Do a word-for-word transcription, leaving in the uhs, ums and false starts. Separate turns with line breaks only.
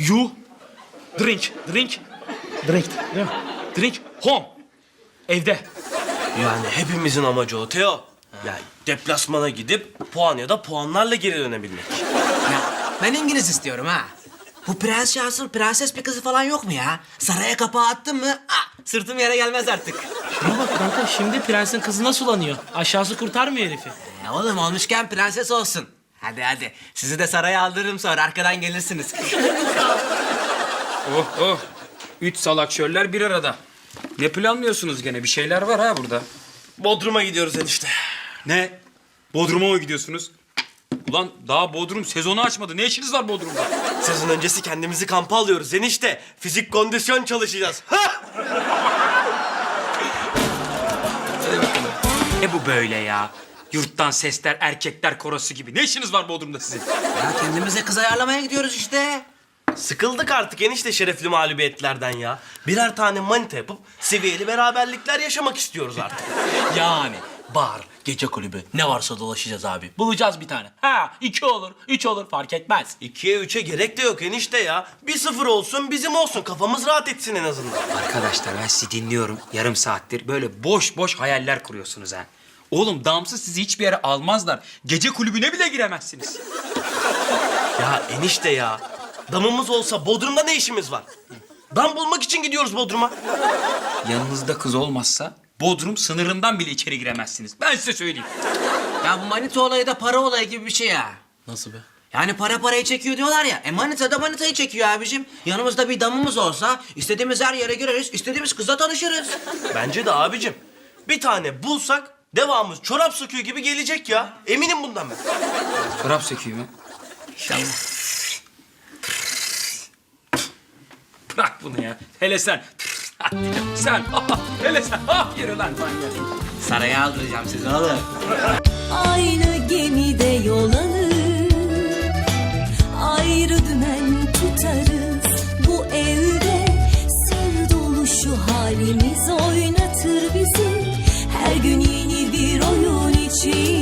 You drink, drink, drink, yeah. Drink home. Evde.
Yani hepimizin amacı o Teo. Yani deplasmana gidip puan ya da puanlarla geri dönebilmek.
Ya, ben İngiliz istiyorum ha. Bu prens şahsın prenses bir kızı falan yok mu ya? Saraya kapağı attın mı? Ah, sırtım yere gelmez artık.
Şuna bak kanka, şimdi prensin kızına sulanıyor. Aşağısı kurtarmıyor herifi.
E, oğlum olmuşken prenses olsun. Hadi hadi. Sizi de saraya aldırırım sonra. Arkadan gelirsiniz.
Oh oh. Üç salak şöller bir arada. Ne planlıyorsunuz gene? Bir şeyler var ha burada.
Bodrum'a gidiyoruz enişte.
Ne? Bodrum'a mı gidiyorsunuz? Ulan daha Bodrum sezonu açmadı. Ne işiniz var Bodrum'da?
Sezon öncesi kendimizi kampa alıyoruz enişte. Fizik kondisyon çalışacağız. Ha!
Ne bu böyle ya? Yurttan sesler, erkekler korosu gibi. Ne işiniz var Bodrum'da sizin?
Ya kendimize kız ayarlamaya gidiyoruz işte.
Sıkıldık artık enişte şerefli mağlubiyetlerden ya. Birer tane manita yapıp seviyeli beraberlikler yaşamak istiyoruz artık.
Yani bar, gece kulübü ne varsa dolaşacağız abi. Bulacağız bir tane. Ha iki olur, üç olur fark etmez.
İkiye üçe gerek de yok enişte ya. Bir sıfır olsun bizim olsun, kafamız rahat etsin en azından.
Arkadaşlar ben sizi dinliyorum yarım saattir. Böyle boş boş hayaller kuruyorsunuz ha. Oğlum damsız sizi hiçbir yere almazlar. Gece kulübüne bile giremezsiniz.
Ya enişte ya. Damımız olsa Bodrum'da ne işimiz var? Dam bulmak için gidiyoruz Bodrum'a.
Yanınızda kız olmazsa Bodrum sınırından bile içeri giremezsiniz. Ben size söyleyeyim.
Ya bu manita olayı da para olayı gibi bir şey ya.
Nasıl be?
Yani para parayı çekiyor diyorlar ya. E manita da manitayı çekiyor abicim. Yanımızda bir damımız olsa istediğimiz her yere gireriz, istediğimiz kızla tanışırız.
Bence de abicim. Bir tane bulsak devamımız çorap söküğü gibi gelecek ya. Eminim bundan ben.
Çorap söküğü mü? Bırak bunu ya. Hele sen. Sen. Hele sen. Ah yürü lan manyak.
Saraya aldıracağım sizi oğlum.
Aynı gemide yol alır, ayrı dümen tutarız. Bu evde sır dolu şu halimiz oynatır bizi. Her gün yeni bir oyun için